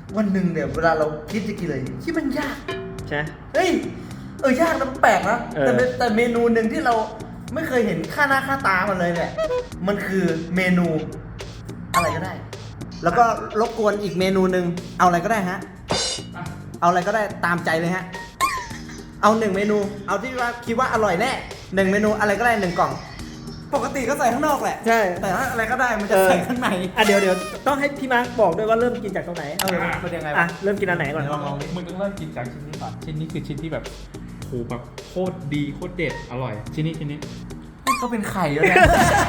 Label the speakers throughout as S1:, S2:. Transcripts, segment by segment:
S1: วันหนึ่งเนี่ยเวลาเราคิดจะกินอะไรที่มันยาก
S2: ใช่
S1: เฮ้ยยากนะมันแปลกนะแต่เมนูหนึ่งที่เราไม่เคยเห็นค่าหน้าค่าตามันเลยเนี่ยมันคือเมนูอะไรก็ได้แล้วก็รบกวนอีกเมนูหนึ่งเอาอะไรก็ได้ฮะเอาอะไรก็ได้ตามใจเลยฮะเอา1 เมนูเอาที่ว่าคิดว่าอร่อยแน่1 เมนูอะไรก็ได้1 กล่องปกติก็ใส่ข้างนอกแหละ
S2: ใช่
S1: แต่ถ้าอะไรก็ได้มันจะใส่ข้างใน
S2: เดี๋ยวต้องให้พี่มาร์คบอกด้วยว่าเริ่มกินจากตรงไหน
S1: เป็นยังไง
S2: เริ่มกินอันไหนก่อน
S3: ลองมึงต้องเริ่มกินจากชิ้นนี้ก่อนชิ้นนี้คือชิ้นที่แบบโหแบบโคตรดีโคตรเด็ดอร่อยชิ้นนี้
S1: ก็เป็นไข่แล้วเนี่ย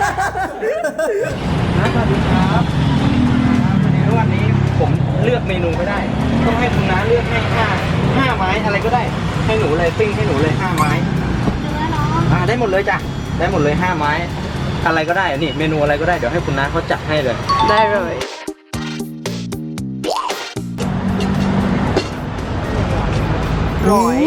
S2: สวัสดีครับวันนี้ผมเลือกเมนูไม่ได้ต้องให้คุณน้าเลือกให้5 ไม้อะไรก็ได้ให้หนูเลยปิ้งให้หนูเลย5 ไม้ได้หมดเลยจ้ะได้หมดเลย5 ไม้อะไรก็ได้นี่เมนูอะไรก็ได้เดี๋ยวให้คุณน้าเขาจัดให้เลย
S4: ได้เลยร้อย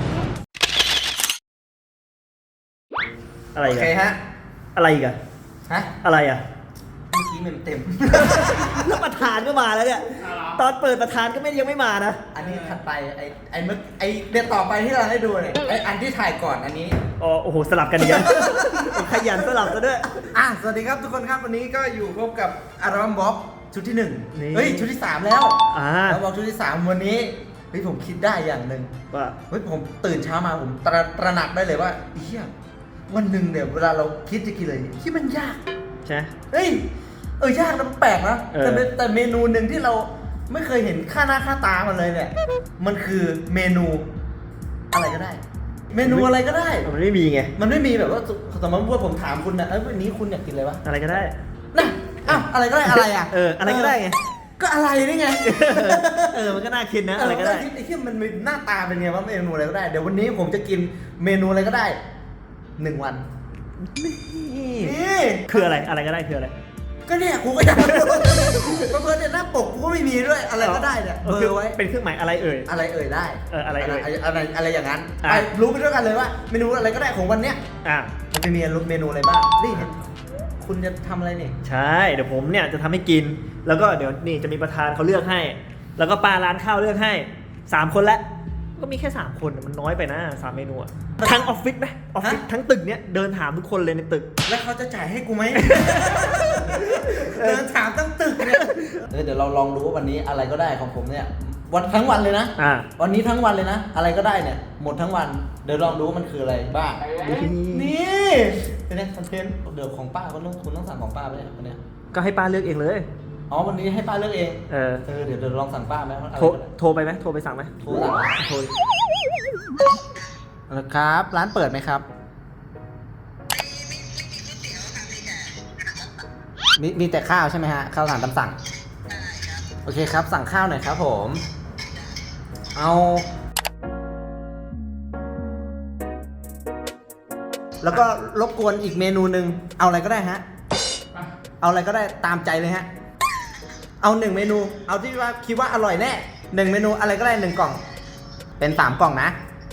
S2: อะไร
S1: โอ
S2: กั
S1: เคน ฮะ
S2: อะไรกัน
S1: ฮะ
S2: อะไรอ่ะ
S1: เมื่อกี้มันเต็ม
S2: แล้วประธานก็มาแล้วเนี่ยตอนเปิดประธานก็ยังไม่มานะ
S1: อันนี้ถัดไปไอ้เดี๋ยวต่อไปที่เราให้ดูเนี่ยไอ้อันที่ถ่ายก่อนอันนี้
S2: โอ้โหสลับกันเยอะ ขยันสลับกันด้วย
S1: สวัสดีครับทุกคนครับวันนี้ก็อยู่พบกับอัลบั้มบ็อกชุดที่1เฮ้ยชุดที่3แล้วอัลบั้มชุดที่3วันนี้เฮ้ยผมคิดได้อย่างหนึ่ง
S2: ว่า
S1: เฮ้ยผมตื่นเช้ามาผมตระหนักได้เลยว่าเฮียวันหนึ่งเนี่ยเวลาเราคิดจะกินอะไรที่มันยาก
S2: ใช่
S1: เฮ้ยยากนะมันแปลกนะแต่เมนูหนึ่งที่เราไม่เคยเห็นค่าหน้าค่าตามันเลยเนี่ยมันคือเมนูอะไรก็ได้ เมนูอะไรก็ได้
S2: มันไม่มีไง
S1: มันไม่มีแบบว่าสมมติว่าผมถามคุณนะวันนี้คุณอยากกินอะไรวะ
S2: อะไรก็ได้
S1: น่ะอะไรก็ได้อะไรอ่ะ
S2: อะไรก็ได้ไง
S1: ก็อะไรนี่ไง
S2: มันก็น่าคิดนะอะไรก็ได้
S1: ไอ้ที่มันหน้าตาเป็นไงว่าเมนูอะไรก็ได้เดี๋ยววันนี้ผมจะกินเมนูอะไรก็ได้1 วัน
S2: นี่คืออะไรก็ได้คืออะไร
S1: ก็เนี่ยกูก็อยากรู้เพื่อนเนี่ยหน้าปกกูก็ไม่มีด้วยอะไรก็ได้เนี่ยเบอร์ไว้
S2: เป็นเครื่องหมายอะไร
S1: อะไรได้อะไรอย่างนั้น
S2: ไป
S1: รู้ไปด้วยกันเลยว่าเมนูอะไรก็ได้ของวันเนี้ยมันจะมีเมนูอะไรบ้างนี่คุณจะทำอะไรเนี่ย
S2: ใช่เดี๋ยวผมเนี่ยจะทำให้กินแล้วก็เดี๋ยวนี่จะมีประธานเขาเลือกให้แล้วก็ป้าร้านข้าวเลือกให้3 คนแล้วก็มีแค่3 คนมันน้อยไปนะ3 เมนูอะทั้งออฟฟิศไหมออฟฟิศทั้งตึกเนี้ยเดินถามทุกคนเลยในตึก
S1: แล้วเขาจะจ่ายให้กูไหม เดินถามตั้งตึกเนี่ยเดี๋ยวเราลองดูว่าวันนี้อะไรก็ได้ของผมเนี่ยวันทั้งวันเลยนะวันนี้ทั้งวันเลยนะอะไรก็ได้เนี่ยหมดทั้งวันเดี๋ยวลองดูว่ามันคืออะไรบ้างนี่เป็นไงคอนเทนต์เดี๋ยวของป้าคุณต้องสั่งของป้าไปเนี่ยวันนี้
S2: ก็ให้ป้าเลือกเองเลย
S1: วันนี้ให้ป้าเลือกเองเดี๋ยวลองสั่งป้าไหม
S2: โทรไปไหมโทรไปสั่งไหม
S1: โทรครับร้านเปิดไหมครับมีแต่ข้าวใช่ไหมฮะข้าวอาหารตามสั่งโอเคครับสั่งข้าวหน่อยครับผมแล้วก็รบกวนอีกเมนูหนึ่งเอาอะไรก็ได้ฮะเอาอะไรก็ได้ตามใจเลยฮะเอา1 เมนูเอาที่ว่าคิดว่าอร่อยแน่1 เมนูอะไรก็ได้1 กล่องเป็น3 กล่องนะ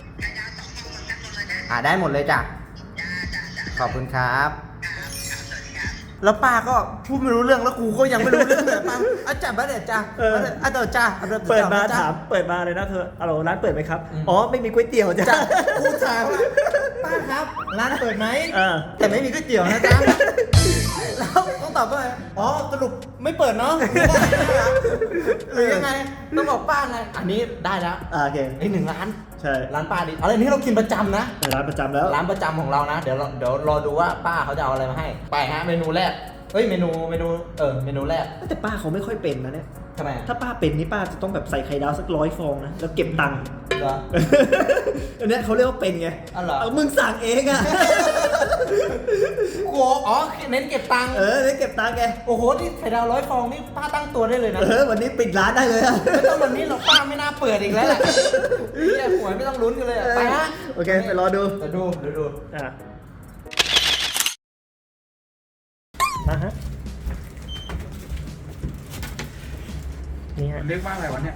S1: ได้หมดเลยจ้ะขอบคุณครับแล้วป้าก็พูดไม่รู้เรื่องแล้วกูก็ยังไม่รู้เรื่องเลยป้าจับมาเดี๋ยวจ้าเดี๋ยวจ้า
S2: เปิดมาถามเปิดมาเลยนะเธอร้านเปิดไหมครับไม่มีก๋วยเตี๋ยวจ้ะ
S1: กูถามว่าป้าครับร้านเปิดไหมแต่ไม่มีก๋วยเตี๋ยวนะจ๊ะแล้วต้องตอบว่าสรุปไม่เปิดเนาะหรือยังไงต้องบอกป้าไงอันนี้ได้แล้ว
S2: โอเค
S1: 1 ล้าน
S2: ใช่
S1: ร้านป้าดิอะไรนี้เรากินประจำนะ
S2: ร้านประจำแล้ว
S1: ร้านประจำของเรานะเดี๋ยวรอดูว่าป้าเขาจะเอาอะไรมาให้ไปฮะเมนูแรกเมนูแรก
S2: แต่ป้าเขาไม่ค่อยเป็นนะเนี่ย
S1: ทำไม
S2: ถ้าป้าเป็นนี่ป้าจะต้องแบบใส่ไข่ดาวสัก100 ฟองนะแล้วเก็บตังค์
S1: เหรอ
S2: อันนี้เขาเรียกว่าเป็นไงมึงสั่งเองอ่ะ
S1: โเน้นเก็บตังค์
S2: เน้นเก็บตังค์แก
S1: โอ้โหที่ไข่ดาว100 ฟองนี่ป้าตั้งตัวได้เลยนะ
S2: วันนี้ปิดร้านได้เลย
S1: ไม่ต้องวันนี้เราป้าไม่น่าเปิดอีกแล้วแหละแย่หวยไม่ต้องลุ้นกันเลยไปฮะ
S2: โอเคไปรอดูฮะนี่ฮะ
S3: เรียกว่าอะไรวะเนี่ย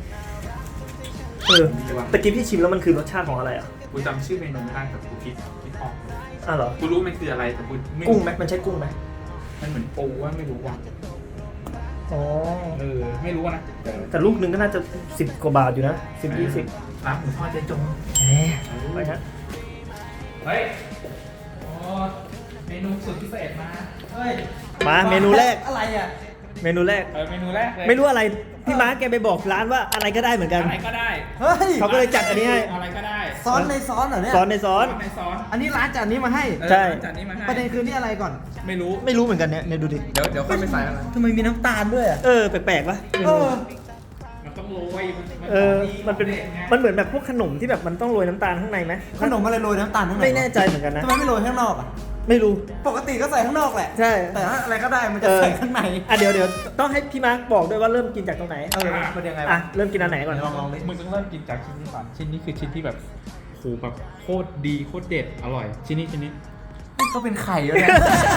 S2: ตะกี้พี่ชิมแล้วมันคือรสชาติของอะไรอ่ะ
S3: กูจำชื่อเมนูไม่ได้แต่กูคิดไม่ออก
S2: เหรอ
S3: กูรู้มันคืออะไรแต่กู
S2: กุ้งไหมมันใช่กุ้งไหม
S3: มันเหมือนปูว่าไม่รู้ว่า
S1: อ๋อ
S3: ไม่รู้นะ
S1: แต่ลูกหนึงก็น่าจะ10 กว่าบาทอยู่นะ10-20
S3: ร้านหมูทอดเจ๊จง
S1: ไปฮะ
S3: เฮ้ยโอ้เมนูสุดพิเศษมาเฮ้ย
S1: มาเมนูแรก
S2: อะไรอ่ะ
S1: เมนูแรก
S3: เมนูแรกเลย
S1: ไม่รู้อะไรพี่มาร์คแกไปบอกร้านว่าอะไรก็ได้เหมือนกัน
S3: อะไรก็ได้
S2: เฮ้ย
S1: เขาก็เลยจัดอันนี้ให้
S3: อะไรก็ได้
S2: ซ้อนในซ้อนเหรอเนี่ย
S1: ซ้อนในซ้อน
S3: ในซอส
S2: อันนี้ร้านจัดอันนี้มาให้
S1: ใช่
S3: จัดนี้มาให้
S2: ประเด็นคือนี่อะไรก่อน
S3: ไม่รู้
S1: ไม่รู้เหมือนกันเนี่ยดูดิ
S3: เดี๋ยวค่อยไปใส่แล้วนะ
S2: ทำไมมีน้ำตาลด้วยอ่ะ
S1: แปลกๆปะ
S2: เออ
S3: มันต้องโรย
S1: มันเป็นมันเหมือนแบบพวกขนมที่แบบมันต้องโรยน้ำตาลข้างในไหม
S2: ขนมอะไรโรยน้ำตาลข้างใน
S1: ไม่แน่ใจเหมือนกันนะ
S2: ทำไมไม่โรยข้างนอกอ่ะ
S1: ไม่รู้
S2: ปกติก็ใส่ข้างนอกแหละ
S1: ใช่
S2: แต่ถ้าอะไรก็ได้มันจะใส่ข้างใน
S1: เดี๋ยวต้องให้พี่มาร์คบอกด้วยว่าเริ่มกินจากตรงไหน
S2: มันยังไง
S1: อ่ะ
S2: วะ
S1: เริ่มกินอันไหนก่อน
S2: ลองดิ
S3: มึงต้องเริ่มกินจากชิ้นนี้ก่อนชิ้นนี้คือชิ้นที่แบบโหแบบโคตรดีโคตรเด็ดอร่อย ชิ้นนี้
S2: ก็เป็นไข่แล้วเนี่ย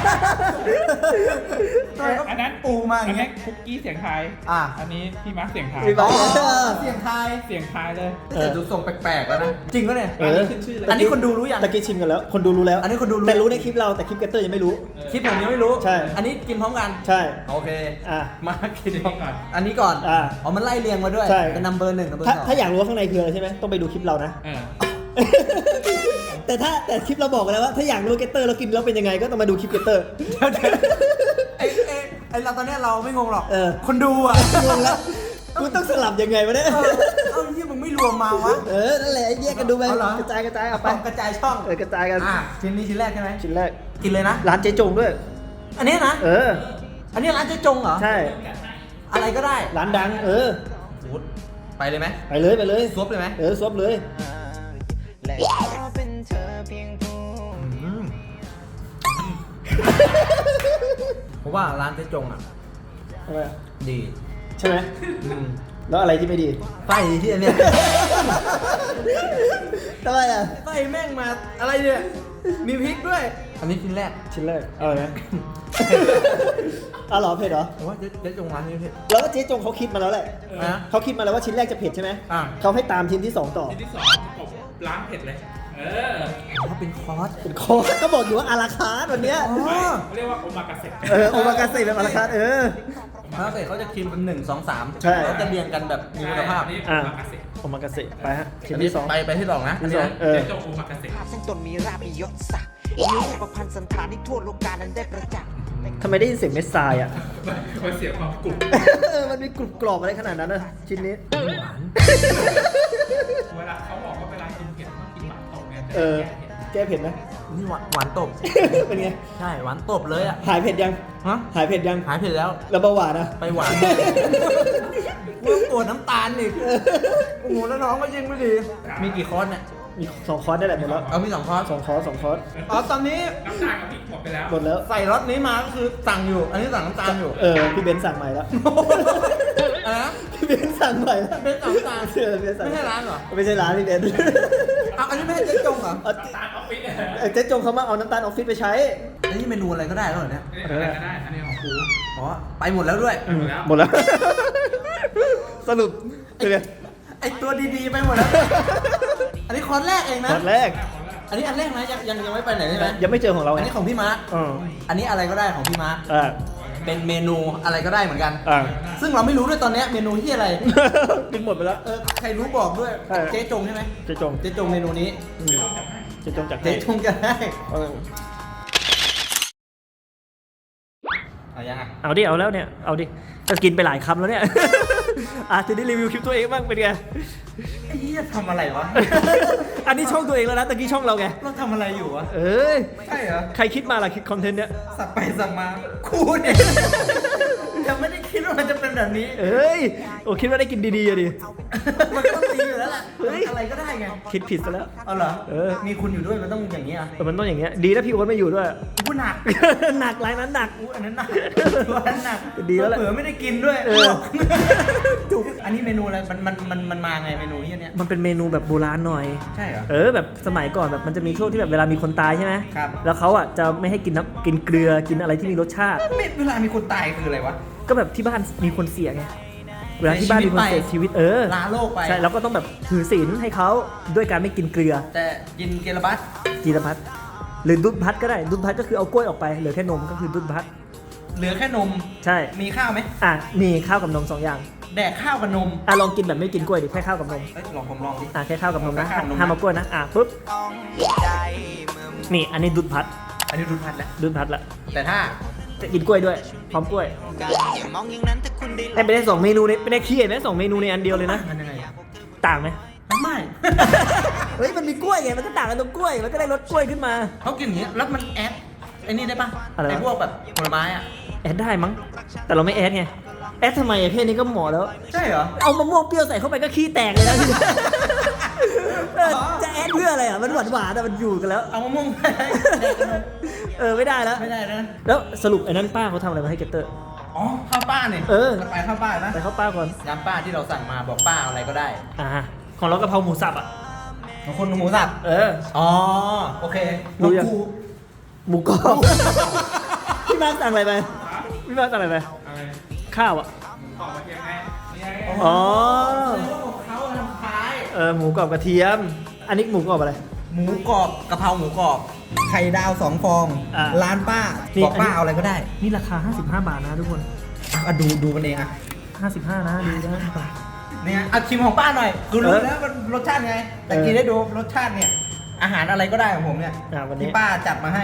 S3: อันนั้น
S2: ปูมาอ
S3: อั
S2: ย่าน ง
S3: นี้
S2: เงี้ย
S3: คุกกี้เสียงไทาย
S2: อ่ะ
S3: อันนี้พี่มาร์คเสียงไทาย
S1: พี่มาร์ค
S2: เสียงไทาย
S3: เสียงไทายเลย
S2: แต่ดูทรงแปลกๆแล้วนะ จริงปะเนี่ย
S3: ขึ้นชื่อเลย
S2: อันนี้คนดูรู้ยัง
S1: ตะกี้ชิมกันแล้ว คนดูรู้แล้ว
S2: อันนี้คนดูรู้
S1: แต่รู้ในคลิปเราแต่คลิปเกตเตอร์ยังไม่รู้
S2: คลิปผมยังไม่รู้
S1: ใช่
S2: อันนี้กินพร้อมกัน
S1: ใช่
S2: โอเค
S1: อ่ะ
S2: มากิน
S3: ชิ้น
S2: พร้อ
S3: นี้
S2: ม
S3: ก่อน
S2: อันนี้ก่อน
S1: อ่ะ
S2: อ๋อมันไล่เรียงมาด้วย
S1: ใช่
S2: เป็นนัมเบอร์หนึ่งนัมเบอร์
S1: ถ้า
S2: สอง
S1: ถ้าอยากรู้ว่าข้างในคืออะไรใช่ไหมต้องไปดูคลิปเรานะ แต่คลิปเราบอกกันแล้วว่าถ้าอยากรู้เกตเตอร์เรากินแล้วเป็นยังไงก็ต้องมาดูคลิปเกตเตอร์
S2: ไอเราตอนเนี้ยเราไม่งงหรอก คนดู
S1: งงแล้วกูต้องสลับยังไงวะเนี่ย
S2: เอ้าที่มึงไม่รวมมาวะ
S1: นั่นแหละแยกกันดูไป
S2: เอาเหรอ
S1: กระจายเอาไป
S2: กระจายช่อง
S1: กระจายกัน
S2: ชิ้นนี้ชิ้นแรกใช่ไหม
S1: ชิ้นแรก
S2: กินเลยนะ
S1: ร้านเจ๊จงด้วย
S2: อันนี้นะ อันนี้ร้านเจ๊จงเหรอ
S1: ใช่
S2: อะไรก็ได้
S1: ร้านดัง
S2: ไปเลยไหม
S1: ไปเลย
S2: ซวบเลยไหม
S1: ซวบเลย
S2: ผมว่าร้านเจ๊จงอ่ะ
S1: ทำไม
S2: ดี
S1: ใช่ไหมแล้วอะไรที่ไม่ดี
S2: ไส้ที่อันเนี้ย
S1: ทำไมอ่ะ
S2: ไส้แม่งมาอะไรเนี่ย มีพริกด้วย อันนี้ชิ้นแรก
S1: ชิ้นแรกเอาไหม เอาเหรอเผ็ดเหรอ
S2: ผมว่าเจ๊จงร้านนี้เผ็ด
S1: แล้วก็เจ๊จงเขาคิดมาแล้วแหละ
S2: นะ
S1: เขาคิดมาแล้วว่าชิ้นแรกจะเผ็ดใช่ไหม เขาให้ตามชิ้นที่ 2 ต่อ
S3: ชิ้นที่สองประกบล้างเผ็ดเลย
S2: ถ้าเป็นคอร์ส
S1: เป็นคอร์สก็บอกอยู่ว่าอาราคาร์ทวันเนี้ย
S3: เขาเรียกว่าโอมากาเสะ
S1: โอมากาเสะแบบอาราคาร์ท
S2: แล้วเสร็จเขาจะกินเป็น1 2 3
S1: ใช่
S2: เขาจะเรียงกันแบบมีคุณภาพ
S3: นี่โอมากาเสะ
S1: โอมากาเสะไปฮะชิ้น
S2: อันนี้
S1: ที่ 2
S2: ไปที่สองนะ
S1: ที่สอง
S3: เจ๊จงโอมากาเสะ
S5: ภาพซึ่งตนมีราบมียศศักดิ์มีรูปพันธ์สันฐานที่ทั่วโลกานั้นได้ประจักษ์
S1: ทำไมได้ยินเสียงเม็ดทรายอ่ะ
S3: มันเสียความกรุบ
S1: มันมีกรุบกรอบอะไรขนาดนั้นนะชิ้นนี้
S3: เวลาเขาบอกว่าเวลากินเผ็ดต้องกินหวานตกไง
S1: แก้เผ็ดไหม
S2: นี่หวานตบ
S1: เป็นไง
S2: ใช่หวานตบเลยอ่ะ
S1: หายเผ็ดยัง
S2: ฮะ
S1: หายเผ็ดยัง
S2: หายเผ็ดแล้ว
S1: แล้วเบาหวานนะ
S2: ไปหวานกูปวดน้ำตาลอีกโอ้โหแล้วน้องก็ยิ่งไม่ดี มีกี่คอร์สเนี่ย
S1: มี2 คอร์สได้แหละหมดแล้ว
S2: เอามี2คอร์ส
S1: 2 คอร์ส2 คอร์ส
S2: อ๋อตอนนี้
S3: น้ำตาลกับพริกหมดไปแล้ว
S1: หมดแล้ว
S2: ใส่รสนี้มาก็คือสั่งอยู่ อันนี้สั่งน้ำตาลอยู่
S1: พี่เบนซ์สั่งใหม่แล้ว
S2: อะไรนะ
S1: พี่เบนซ์สั่งใหม่แล้ว
S2: เบนซ์สั่งน้ำตาล
S1: เบนซ์สั่ง
S2: ไม่ใช่ร้านเหรอ
S1: ไม่ใช่ร้านพี่เบนซ์
S2: อ้าวอันนี้ไม่ใช่เจ๊จงเหรอ
S1: เอา
S3: น้ำตาลออฟฟิศ
S1: เจ๊จงเขามาเอาน้ำตาลออฟฟิศไปใช้
S2: อันนี้เมนูอะไรก็ได้แล้วเหรอเนี่ย
S3: อะไรก็ได้ อันนี้ของครู
S2: อ๋อ ไปหมดแล้วด้วย
S1: หมดแล้ว สรุปเป็นไง
S2: ไอตัวดีๆไปหมดแล้ว อันนี้คอร์สแรกเองนะ
S1: คอร์สแรก
S2: อันนี้อันแรกนะยังไม่ไปไหนใช่ไหม
S1: ยังไม่เจอของเรา
S2: อันนี้ของพี่มาร์ค
S1: อ๋อ
S2: อันนี้อะไรก็ได้ของพี่มาร์ค
S1: อ่า
S2: เป็นเมนูอะไรก็ได้เหมือนกัน
S1: อ่า
S2: ซึ่งเราไม่รู้ด้วยตอนเนี้ยเมนูที่อะไร
S1: กินหมดไปแล้ว
S2: ใครรู้บอกด้วย
S1: ใช่
S2: เจ๊จงใช่ไหม
S1: เจ๊จง
S2: เจ๊จงเมนูนี้
S1: เจ๊จงจาก
S2: เจ๊จงจะได้
S1: เออ
S2: เอายังไง
S1: เอาดิ เอาแล้วเนี่ย เอาดิ จะกินไปหลายคำแล้วเนี่ย จะได้รีวิวคลิปตัวเองบ้างเป็นไง
S2: ไอ้เหี้ยทำอะไรวะ
S1: อันนี้ช่องตัวเองแล้วนะตะกี้ช่องเราไง
S2: เราทำอะไรอยู่วะ
S1: เอ้ย
S2: ใช่เหรอ
S1: ใครคิดมาล่ะคิดคอนเทนต์เนี้ย
S2: สับไปสับมาคูเนี่ย ยังไม่ได้คิดว่ามันจะเป็นแบบนี้
S1: เอ้ย โอ้คิดว่าได้กินดีๆอะดิ
S2: มันก็ต้องดีอยู่แล้วแหละ
S1: เฮ้ย
S2: อะไรก็ได้ไง
S1: คิดผิดซะแล้ว
S2: เอาเหรอ
S1: มี
S2: คุณอยู่ด้วยมันต้องอย่างนี้อ่ะ
S1: มันต้องอย่างเงี้ย ดีนะพี่โอ๊ตไม่อยู่ด้วย
S2: กูหนัก
S1: หนักรายนั้นหนัก
S2: อันนั้นหนักตัวนั้นหนัก
S1: ดีแล้วแหละ
S2: เผื่อไม่ได้กินด้วย
S1: จุก
S2: อันนี้เมนูอะไรมันมาไงเมนูนี้เนี่ย
S1: มันเป็นเมนูแบบโบราณหน่อย
S2: ใช่เหรอ
S1: แบบสมัยก่อนแบบมันจะมีช่วงที่แบบเวลามีคนตายใช่ไหม
S2: ครับ
S1: แล้วเขาอ่ะจะไม่ให้กินกินเกลือกินอะไรที่มีรสชาติ
S2: ไม่เวลามีคนตายคืออะไรวะ
S1: ก็แบบที่บ้านมีคนเสียไง เวลาที่บ้านมีคนเสียชีวิต
S2: ลาโลกไป
S1: ใช่แล้วก็ต้องแบบถือศีลให้เขาด้วยการไม่กินเกลือ
S2: แต่กินเกลบัส
S1: จีรพัฒหรือดุดพัดก็ได้ดุดพัดก็คือเอากล้วยออกไปเหลือแค่นมก็คือดุดพัดเหลือแค่นม
S6: ใช่
S1: มีข้าวไหม
S6: อ่ะมีข้าวกับนม2อย่าง
S1: แดกข้าวกับนม
S6: อ่ะลองกินแบบไม่กินกล้วยดิแค่ข้าวกับนม
S1: เอ้ยลองผมลองดิ
S6: อ่ะแค่ข้าวกับนมนะ
S1: แค่ข้าวกับนมนะ
S6: ห้ามเอากล้วยนะอ่ะปุ๊บนี่อันนี้ดุดพัด
S1: อันนี้รุนพัดแล้ว
S6: ดุดพัดละ
S1: แต่ถ้า
S6: จะกินกล้วยด้วยพร้อมกล้วยได้ไปได้2เมนูในไม่ได้ขี้ไหม2เมนูในอันเดียวเลยนะ
S1: มันยังไง
S6: ต่างไหม
S1: ไม่
S6: เฮ้ยมันมีกล้วยไงมันก็ต่างกันตรงกล้วยมันก็ได้รสกล้วยขึ้นมา
S1: เขากินอย่างนี้แล้วมันแอดไอ้นี่ได้ปะ
S6: อะไรวะ
S1: ไอ้พวกแบบผลไม้อ่ะ
S6: แอดได้มั้งแต่เราไม่แอดไงแอดทำไมอะเพศนี้ก็เหมาะแล้ว
S1: ใช่เหรอ
S6: เอามะม่วงเปรี้ยวใส่เข้าไปก็ขี้แตกเลยนะ เออจะแอดเพื่ออะไรอ่ะมันหวานหวานแต่มันอยู่กันแล้ว
S1: เอามะม่วงไปแดกกับนม
S6: เออไม่ได้แล้ว
S1: ไม่ได้นะ
S6: แล้วสรุปไอ้นั่นป้าเขาทำอะไรมาให้เกตเตอร์
S1: อ๋อข้าวป้าเนี่ย
S6: เออ
S1: ไปข้าวป้านะ
S6: ไปเข้าป้าก่อน
S1: น้ำป้าที่เราสั่งมาบอกป้าเอาอะไรก็ได้
S6: อ่าของเรากะเพราหมูสับอ่ะ
S1: ของคนหมูสับ
S6: เออ
S1: อ๋อโอเค
S6: รู้ยัง
S1: กู
S6: หมูกรอบ พี่มาร์คสั่งอะไรไปพี่มาร์คสั่งอะไรไป
S3: อะไร
S6: ข้าวอ่ะ
S3: ขอมาเทียมไงนี่ไง
S6: อ๋อ
S1: เขาทำคล้าย
S6: หมูกรอบกระเทียม อันนี้หมูกรอบอะไร
S1: หมูกรอบกะเพราหมูกรอบไข่ดาว2 ฟอง
S6: อ่า
S1: ร้านป้า
S6: นี่
S1: บอกป้า
S6: อันนี้
S1: เอาอะไรก็ได้
S6: นี่ราคา 55 บาทนะทุกคน
S1: อ่ะดูกันเองอ่ะ
S6: 55 นะดูนะ
S1: เนี่ยเอาชิมของป้าหน่อยคือรู้
S6: เออ
S1: แล้วมันรสชาติไง แต่
S6: เออ
S1: กินได้ดูรสชาติเนี่ย อาหารอะไรก็ได้ของผมเนี่ย
S6: วันนี้
S1: ที่ป้าจัดมาให้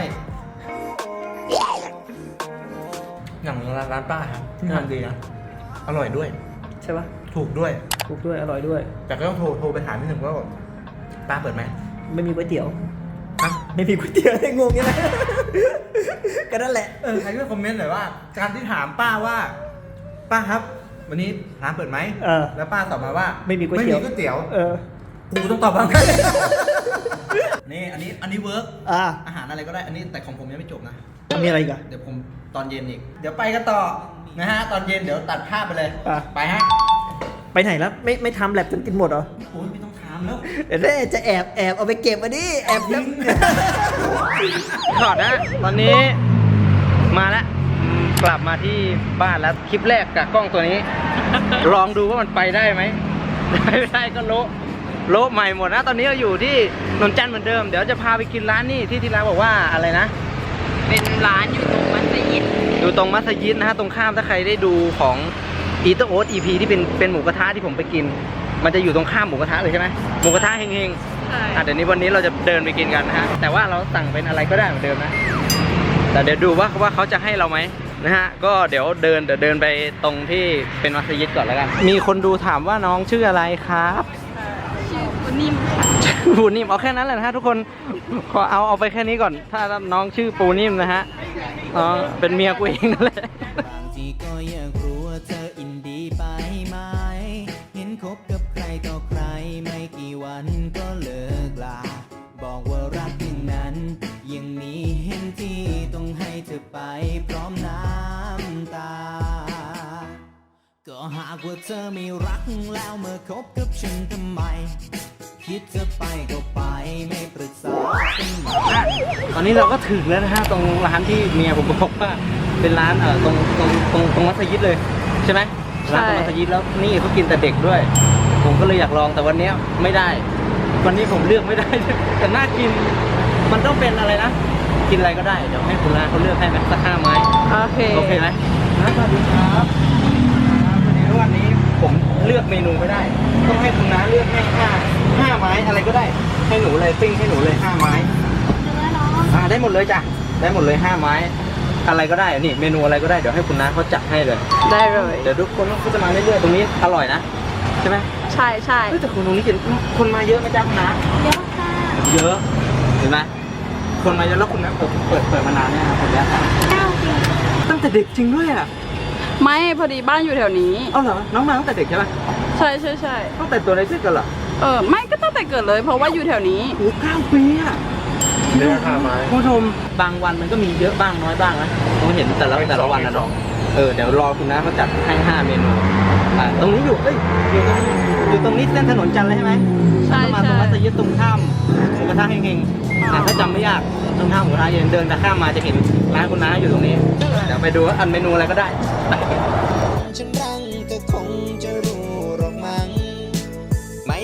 S1: อย่างร้านป้าครับที่ทำดีนะอร่อยด้วย
S6: ใช่ปะ
S1: ถูกด้วย
S6: ถูกด้วยอร่อยด้วย
S1: แต่ก็ต้องโทรไปถามนิดหนึ่งว่าป้าเปิดไหม
S6: ไม่มีก๋วยเตี๋ยว
S1: ฮะ
S6: ไม่มีก๋วยเตี๋ยวงงยังไง ก็นั่นแหละ
S1: ใครช่วยคอมเมนต์หน่อยว่า การที่ถามป้าว่า ป้าครับ วันนี้ร้านเปิดไหม
S6: เออ
S1: แล้วป้าตอบมาว่า
S6: ไม่มีก๋วยเตี๋ยว
S1: ไม่มีก๋วยเตี๋ยว
S6: เออ
S1: กูต้องตอบบ้าง นี่อันนี้เวิร์ก
S6: อ่า
S1: อาหารอะไรก็ได้ อันนี้แต่ของผมยังไม่จบนะ
S6: มีอะไรอีกอะ
S1: เดี๋ยวผมตอนเย็นอีก เดี๋ยวไปกันต่อนะฮะ ตอนเย็นเดี๋ยวตัดภาพไปเลย
S6: อ่ะ
S1: ไปฮะ
S6: ไปไหนแล้วไม่ทำแลบจนกินหมดเหรอ
S1: โอ้ยไม่ต้องถามแล้ว
S6: เดี๋ยวได้จะแอบเอาไปเก็บมาดิแอบทิ้ง
S2: ถอดนะ ตอนนี้มาแล้วกลับมาที่บ้านแล้วคลิปแรกกับกล้องตัวนี้ ลองดูว่ามันไปได้ไหมได้ไม่ได้ก็โละใหม่หมดนะ ตอนนี้เราอยู่ที่นนจันทร์เหมือนเดิม เดี๋ยวจะพาไปกินร้านนี่ที่ร้านบอกว่าอะไรนะ
S4: เป็นร้านอยู่ตรงมัสยิด
S2: อยู่ตรงมัสยิดนะฮะตรงข้ามถ้าใครได้ดูของอีเตอร์โอ๊ต EP ที่เป็นหมูกระทะที่ผมไปกิน มันจะอยู่ตรงข้ามหมูกระทะเลยใช่ไหมหมูกระทะเฮง
S4: ใช่
S2: ๆเดี๋ยวนี้วันนี้เราจะเดินไปกินกันนะฮะแต่ว่าเราสั่งเป็นอะไรก็ได้เหมือนเดิมนะแต่เดี๋ยวดูว่าเขาจะให้เราไหมนะฮะก็เดี๋ยวเดินไปตรงที่เป็นมัสยิดก่อนแล้วกันมีคนดูถามว่าน้องชื่ออะไรครับ
S4: ชื่อคุณนิ่มค่ะ
S2: ปูนิ่มเอาแค่นั้นแหละนะฮะทุกคนขอเอาไปแค่นี้ก่อน ถ้าน้องชื่อปูนิ่มนะฮะน้องเป็นเมียกูเองนั่นแหละ
S7: บางทีก็อยากรู้ว่าเธออินดีไปไหม เห็นคบกับใครต่อใครไม่กี่วันก็เลิกลา บอกว่ารักอย่างนั้น ยังมีเห็นที่ต้องให้เธอไปพร้อมน้ำตา ก็หากว่าเธอไม่รักแล้วเมื่อคบกับฉันทำไม คิดจะไปก็ไปไม่ปรึกษากันหน่อย
S2: ตอนนี้เราก็ถึงแล้วนะฮะตรงร้านที่เมียผมบอกว่าเป็นร้านตรงมัสยิดเลยใช่ไหมร้านตรงมัสยิดแล้วนี่เขากินแต่เด็กด้วย ผมก็เลยอยากลองแต่วันนี้ไม่ได้ วันนี้ผมเลือกไม่ได้ แต่น่ากินมันต้องเป็นอะไรนะ กินอะไรก็ได้เดี๋ยวให้คุณร้านเขาเลือกให้ไหมสัก5 ไม้
S4: โอเค
S2: โอเคไหมสวัสดีครับวันนี้ผมเลือกเมนูไม่ได้ ต้องให้คุณน้าเลือกให้5 ไม้อะไรก็ได้ให้หนูเลยปิ้งให้หนูเลย5 ไม้ได้หมดเลยจ้ะได้หมดเลย5 ไม้ อะไรก็ได้นี่เมนูอะไรก็ได้เดี๋ยวให้คุณน้าเขาจัดให้เลย
S4: ได้เลย
S2: เดี๋ยวทุกคนก็จะมาเรื่อยๆตรงนี้อร่อยนะใช่ไหม
S4: ใช่ใช่
S2: เฮ้ยแต่คนตรงนี้กินคนมาเยอะไหมจ๊ะคุณน้าเยอะค่ะเยอะเห็นไหมคนมาเยอะแล้วคุณน้าเปิดมานานเนี่ยผมแล้ว9 ปีตั้งแต่เด็กจริงด้วยอ่ะ
S4: ไม่พอดีบ้านอยู่แถวนี้
S2: เอาเหรอน้องมาตั้งแต่เด็กใช่ไหม
S4: ใช่ใช่ใช่
S2: ตั้งแต่ตัวเล็กๆกันเหรอ
S4: ไม่ก็ตั้งแต่เกิดเลย เพราะว่าอยู่แถวนี้
S2: โอ้9 ปีอะเนื้อข้าวไม้คุณผู้ชมบางวันมันก็มีเยอะบ้างน้อยบ้างนะผมเห็นแต่ละวันนะเนาะเดี๋ยวรอคุณน้าเขาจัดให้5 เมนูตรงนี้อยู่ตรงนี้เส้นถนนจันทร์เลยใช่ไหม
S4: ใช่
S2: มาตรงมัสยิดตรงข้ามหมูกระทะเฮงๆถ้าจำไม่ยากตรงข้ามหมูกระทะเย็นเดินแต่ข้ามมาจะเห็นร้านคุณน้าอยู่ตรงนี้เดี๋ยวไปดูว่าอันเมนูอะไรก็ได้
S7: ฉันรังเธอคงจะรู้หรอกมั้งไม่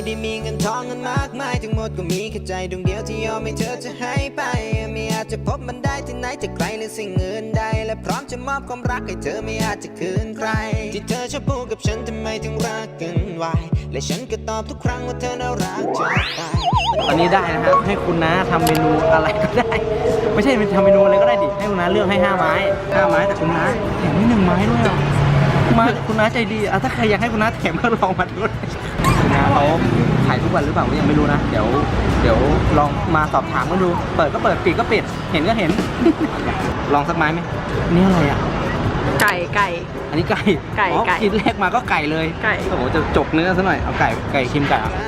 S7: ได้มีเงินทองเงินมากมายทั้งหมดก็มีแค่ใจดวงเดียวที่ยอมให้เธอจะให้ไปไม่อาจจะพบมันได้ที่ไหนจะไกลหรือสิ่งอื่นใดและพร้อมจะมอบความรักให้เธอไม่อาจจะคืนใครที่เธอชอบพูดกับฉันทำไมถึงรักกันไวและฉันก็ตอบทุกครั้งว่าเธอน่ารักจะตาย
S2: วันนี้ได้นะครับให้คุณน้าทำเมนูอะไรก็ได้ ไม่ใช่ทำเมนูอะไรก็ได้ดิให้คุณน้าเลือกให้5 ไม้5 ไม้แต่คุณน้าแถมให้1 ไม้ด้วยเหรอคุณน้าใจดีถ้าใครอยากให้คุณน้าแถมก็ลองมาดูคุณน้าเขาขายทุกวันหรือเปล่ายังไม่รู้นะเดี๋ยวลองมาสอบถามกันดูเปิดก็เปิดปิดก็ปิดเห็นก็เห็น ลองสักไม้ไหมนี่อะไรอ่ะ
S4: ไก่
S2: อันนี้ไก่
S4: ไก่
S2: อ๋อ
S4: ไก่
S2: กินแรกมาก็ไก่เลย
S4: ไก่
S2: โอ้โหจะจกเนื้อซะหน่อยเอาไก่ชิมไก่อ่ะ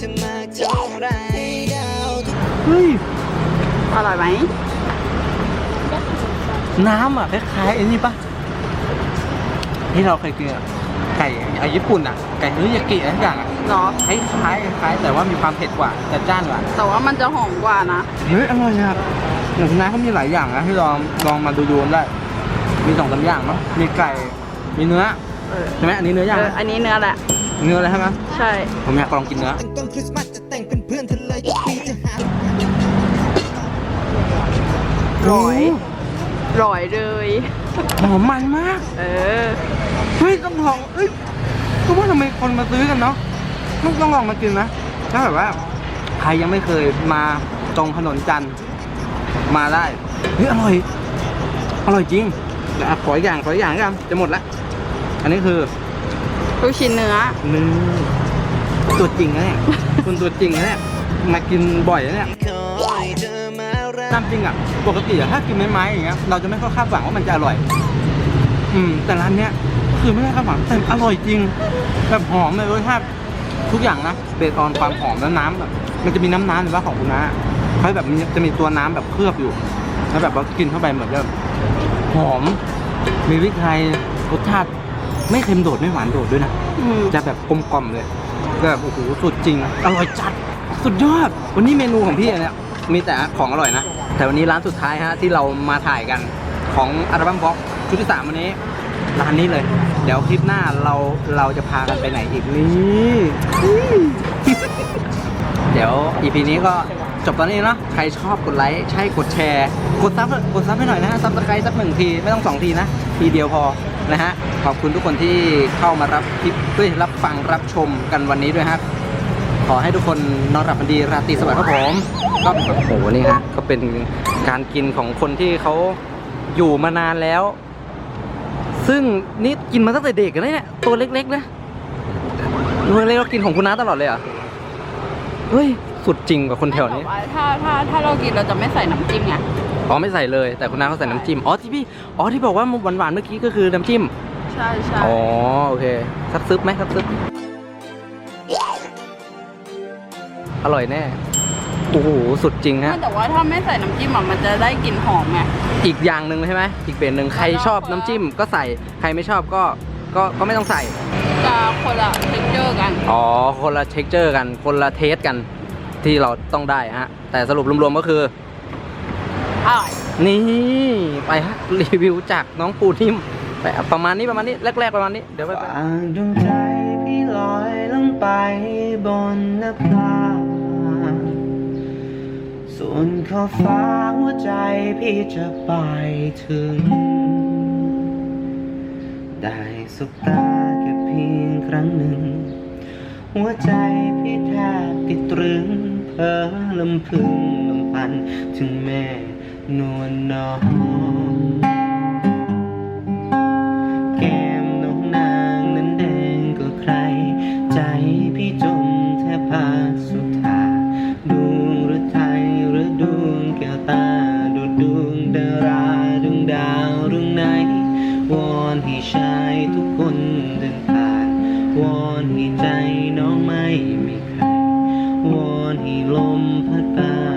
S2: เฮ้ย
S4: อร่อยไหม
S2: น้ำอ่ะคล้ายๆไอ้นี่ปะที่เราเคยกินอะไก่ญี่ปุ่นอ่ะไก่เนื้อยากิอะไรทุกอย่างอ่ะ
S4: เนาะ
S2: คล้ายแต่ว่ามีความเผ็ดกว่าจัดจ้านกว่า
S4: แต่ว่ามันจะหอมกว่านะ
S2: เฮ้ยอร่อยครับอย่างคุณน้าเขามีหลายอย่างนะที่ลองมาดูได้ มี2-3อย่างเนาะมีไก่มีเนื้อ ใช่ไหมอันนี้เนื้อย่างไหม
S4: อันนี้เนื้อแหละ
S2: เนื้ออะไรใช่ไหม
S4: ใช่
S2: ผมอยากลองกินเนื้อ
S7: ต้นคริสต์มาสจะแต่งเป็นเพื่อนเธอเลยทุกปีจะหา
S4: ร้อยเลย
S2: หอมมันมาก
S4: เออ
S2: เฮ้ยต้องลองก็ว่าทำไมคนมาซื้อกันเนาะต้องลองมากินนะถ้าแบบว่าใครยังไม่เคยมาตรงถนนจันทร์มาได้เฮ้ยอร่อยจริงเดี๋ยวขออีกอย่างกันจะหมดละอันนี้คือ
S4: ลูกชิ้นเนื้อ
S2: ตัวจริงนะเนี่ย คุณตัวจริงนะเนี่ยมากินบ่อยนะเนี่ย
S7: คอยเธอมารัก
S2: ตามจริงอ่ะปกติอะถ้ากินไม้ๆอย่างเงี้ยเราจะไม่ค่อยคาดหวังว่ามันจะอร่อยแต่ร้านเนี้ยก็คือไม่ได้คาดหวังแต่อร่อยจริงแบบหอมเลยรสชาติทุกอย่างนะเบสออนความหอมและน้ำแบบมันจะมีน้ำหรือว่าของคุณน้าเขาแบบจะมีตัวน้ำแบบเคลือบอยู่แล้วแบบว่ากินเข้าไปเหมือนแบบหอมมีพริกไทยรสชาติไม่เค็มโดดไม่หวานโดดด้วยนะจะแบบกลมกล่อมเลยแบบโอ้โหสุดจริงอร่อยจัดสุดยอดวันนี้เมนูของพี่เนี่ยมีแต่ของอร่อยนะแต่วันนี้ร้านสุดท้ายฮะที่เรามาถ่ายกันของอัลบั้มบ็อกชุดที่ 3วันนี้ร้านนี้เลยเดี๋ยวคลิปหน้าเราจะพากันไปไหนอีกนี่ เดี๋ยว EP นี้ก็จบตอนนี้เนาะใครชอบกดไลค์ใช่กดแชร์กดซับให้หน่อยนะฮะซับสไครต์สัก1 ทีไม่ต้อง2 ทีนะทีเดียวพอนะฮะขอบคุณทุกคนที่เข้ามารับคลิปรับฟังรับชมกันวันนี้ด้วยฮะขอให้ทุกคนนอนหลับฝันดีราตรีสวัสดิ์ครับผมก็โอ้โหนี่ฮะก็เป็นการกินของคนที่เขาอยู่มานานแล้ว ซึ่งนี่กินมาตั้งแต่เด็กนะเนี่ยตัวเล็กๆนะตัวเล็กเรากินของคุณน้าตลอดเลยเหรอเฮ้ยสุดจริงกว่าคนแถวนี้
S4: ถ้าเรากินเราจะไม่ใส่น้ำจิ้มไง
S2: อ๋อไม่ใส่เลยแต่คุณน้าเขาใส่น้ำจิ้มที่บอกว่าหวานๆเมื่อกี้ก็คือน้ำจิ้ม
S4: ใช่
S2: อ๋อโอเคสักซึบไหมสักซึบอร่อยแน่โอ้โหสุดจริงฮะ
S4: แต่ว่าถ้าไม่ใส่น้ำจิ้มมันจะได้กลิ่นหอมไง
S2: อีกอย่างหนึ่งใช่ไหมอีกเบนหนึ่งใครชอบน้ำจิ้มก็ใส่ใครไม่ชอบก็ไม่ต้องใส่
S4: จะคนละเท็กเจอร์กัน
S2: อ๋อคนละเท็กเจอร์กันคนละเทสกันที่เราต้องได้ฮะแต่สรุปรวมๆก็คือ
S4: อร่อย
S2: นี่ไปฮะรีวิวจากน้องปูนิ่มไปประมาณนี้แรกๆประมาณนี้เดี๋ยวไปดวงใจพี่ลอยลงไปบนนภาส่วนขอบฟ้าหัวใจพี่จะไปถึงได้สบตาแค่เพียงครั้งหนึ่งหัวใจพี่แทบติดตรึงเพ้อลำพึงลำพันถึงแม่นวลน้องแก้มน้องนางนั้นแดงกว่าใครใจพี่จมแทบพาสุธาดวงหรือไทยหรือดวงแก้วตาดูดวงดาราดวงดาวดวงไหนวอนให้ชายทุกคนเดินผ่านวอนให้ใจน้องไม่มีใครวอนให้ลมพัดพา